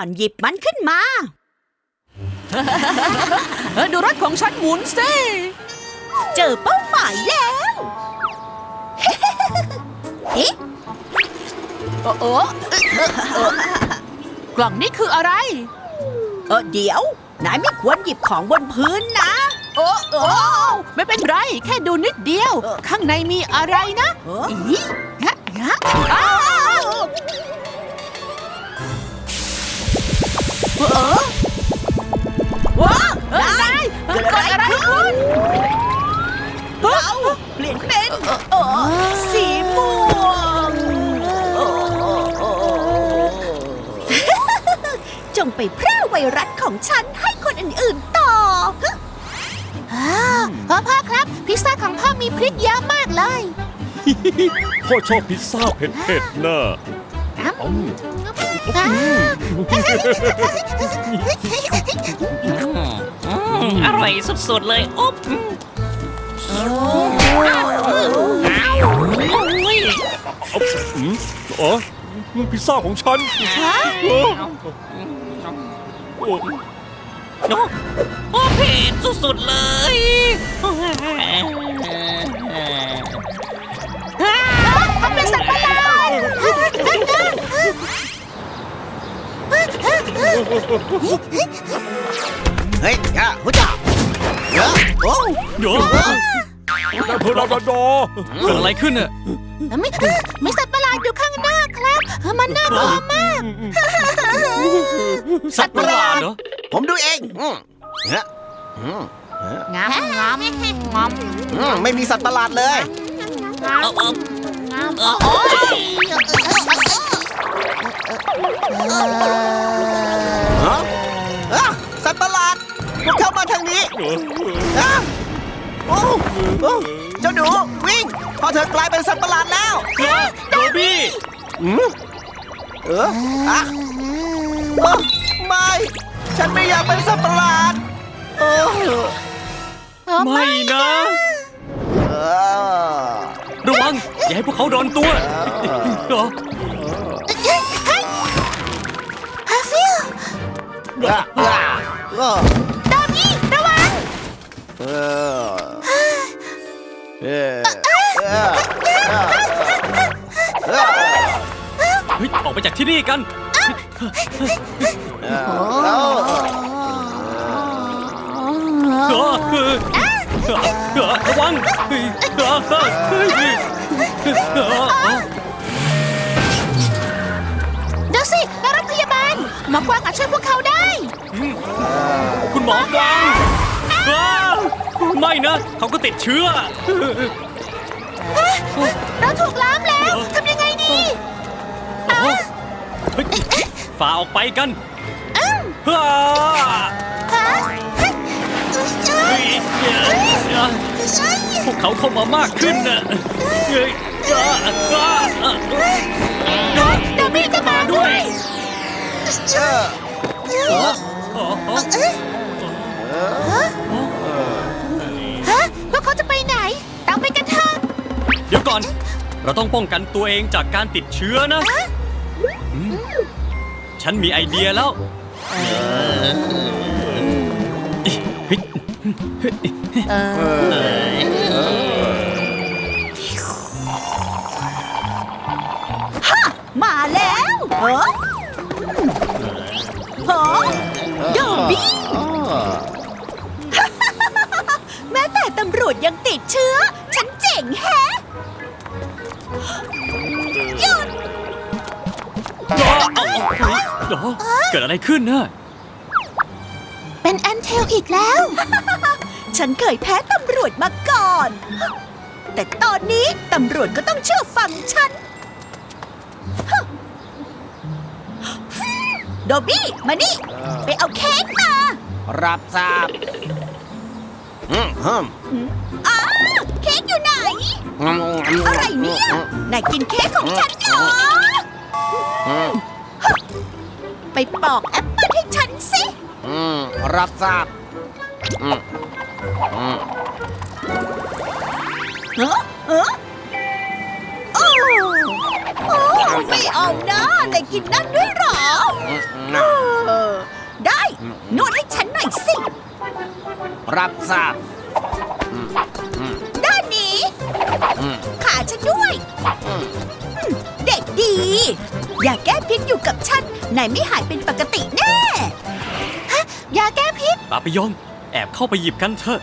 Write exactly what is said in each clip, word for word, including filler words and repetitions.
อนหยิบมันขึ้นมาดูรถของฉันหมุนสิเจอเป้าหมายแล้วเอ๊ะโอ้โอ้กล่องนี้คืออะไรเออเดี๋ยวนายไม่ควรหยิบของบนพื้นนะโอ้โอ้ไม่เป็นไรแค่ดูนิดเดียวข้างในมีอะไรนะอีฮะฮะอ้าวเออว้านายเกิดอะไรขึ้นเราเปลี่ยนเป็นสีม่วงจงไปแพร่ไวรัสของฉันให้คนอื่นๆต่อพ่อพ่อครับพิซซ่าของพ่อมีพริกเยอะมากเลยพ่อชอบพิซซ่าเผ็ดๆนะอร่อยสุดๆเลยอุ๊บอ๋อพิซซ่าของฉันโอ้โอ้เผ็ดสุดๆเลยเขาเป็นสัตว์ประหลาดเฮ้ยย่าหัวจ่าเยอะโอ้เยอะได้เพลินดอดอเกิดอะไรขึ้นน่ะไม่ไม่สัตว์ประหลาดอยู่ข้างหน้าครับมันน่ากลัวมากสัตว์ประหลาดเหรอผมดูเองเฮ้ยงามงามงามไม่มีสัตว์ประหลาดเลยเออเออเออโอ้ยสัตว์ประหลาดพวกเข้ามาทางนี้โอ้เจ้าหนูวิ่งพอเธอกลายเป็นสัตว์ประหลาดแล้วโดบี้เอออะไม่ฉันไม่อยากเป็นสัตว์ประหลาดไม่นะระวังอย่าให้พวกเขาโดนตัวฮาฟิลดามี่ระวังเออเออออกไปจากที่นี่กันระวังเดี๋ยวสิรถพยาบาลหมอกวางอาจช่วยพวกเขาได้คุณหมอกวางไม่นะเขาก็ติดเชื้อเราถูกล้อมแล้วทำยังไงดีฝ่าออกไปกันพวกเขาเข้ามามากขึ้นนะดามี่ก็มาด้วยฮะพวกเขาจะไปไหนตามไปกันเถอะเดี๋ยวก่อนเราต้องป้องกันตัวเองจากการติดเชื้อนะฉันมีไอเดียแล้วฮ่ามาแล้วเหรอเหรอโดบี้แม้แต่ตำรวจยังติดเชื้อฉันเจ๋งแฮะหยุดเกิดอะไรขึ้นน่ะเป็นแอนเทลอีกแล้วฉันเคยแพ้ตำรวจมาก่อนแต่ตอนนี้ตำรวจก็ต้องเชื่อฟังฉันโดบี้มานี่ไปเอาเค้กมารับทราบอืมฮึมอ้าเค้กอยู่ไหนอะไรเนี่ยนายกินเค้กของฉันเหรอไปปอกแอปเปิ้ลให้ฉันสิอืมรับทราบอืมอืมเออเออโอ้โอ้ไม่เอานะนายกินนั่นด้วยเหรอนวดให้ฉันหน่อยสิรับทราบด้านนี้ ขาฉันด้วยอืมเด็กดี อย่าแก้พิษอยู่กับฉันนายไม่หายเป็นปกติแน่ยาแก้พิษปาปิยอง แอบเข้าไปหยิบกันเถอะ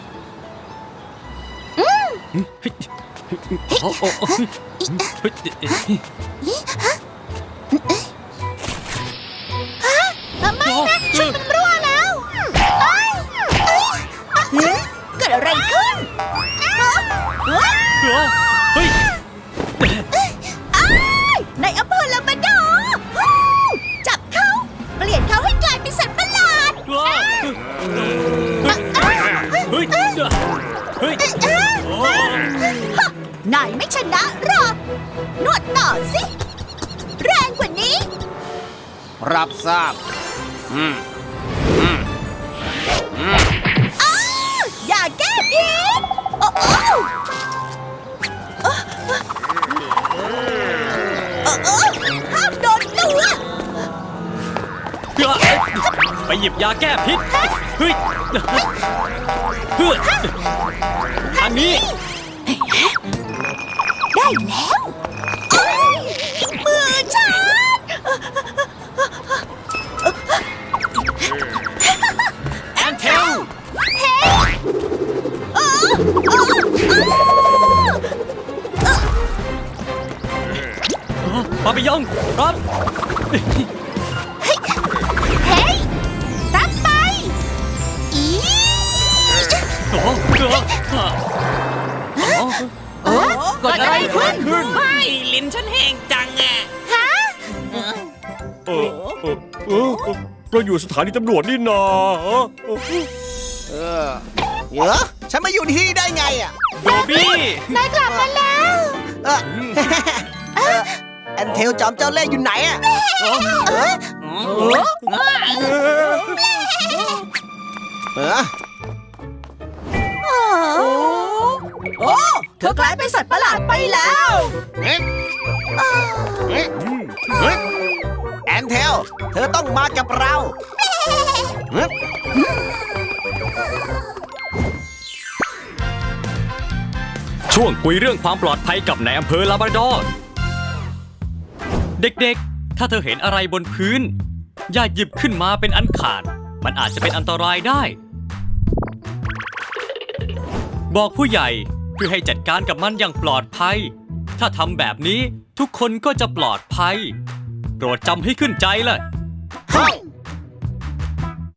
เฮ้ยโอ้โอ้โอ้เฮ้ยไม่นะชุดมันรั่วแล้วเอ้ยเอ้ยเกิดอะไรขึ้นฮะฮะเฮ้ยอ้ายในอำเภอลำบากอร์ฮู้จับเขา เปลี่ยนเขาให้กลายเป็นสัตว์ประหลาดเฮ้ย เฮ้ยนายไม่ชนะหรอก นวดต่อสิ แรงกว่านี้รับทราบ อืมอ้าวอย่าแก้พิษโอ้โอ้เออเออห้ามโดนตัวไปหยิบยาแก้พิษ เฮ้ยเฮ้ยทางนี้ได้แล้วโอ้ยมือฉันแอนเทล ปาปิยองรับเฮ้ยรับไปอีโอ้โหเออเกิดอะไรขึ้นไม่ลิ้นฉันแห้งจังอ่ะฮะเออเออเออเราอยู่สถานีตำรวจนี่นาเออเดี๋ยวฉันมาอยู่ที่นี่ได้ไงอ่ะโดบี้นายกลับมาแล้วเออเออแอนเทลจอมเจ้าเล่ห์อยู่ไหนอ่ะเออเออโอ้เธอกลายเป็นสัตว์ประหลาดไปแล้วเอ๊ะเอ๊ะเอ๊ะแอนเทล เธอต้องมากับเราเอ๊ะช่วงคุยเรื่องความปลอดภัยกับนายอำเภอลาบราดอร์ เด็กๆ ถ้าเธอเห็นอะไรบนพื้น อย่าหยิบขึ้นมาเป็นอันขาด มันอาจจะเป็นอันตรายได้ บอกผู้ใหญ่เพื่อให้จัดการกับมันอย่างปลอดภัย ถ้าทำแบบนี้ทุกคนก็จะปลอดภัย โปรดจำให้ขึ้นใจเลยเฮ้ย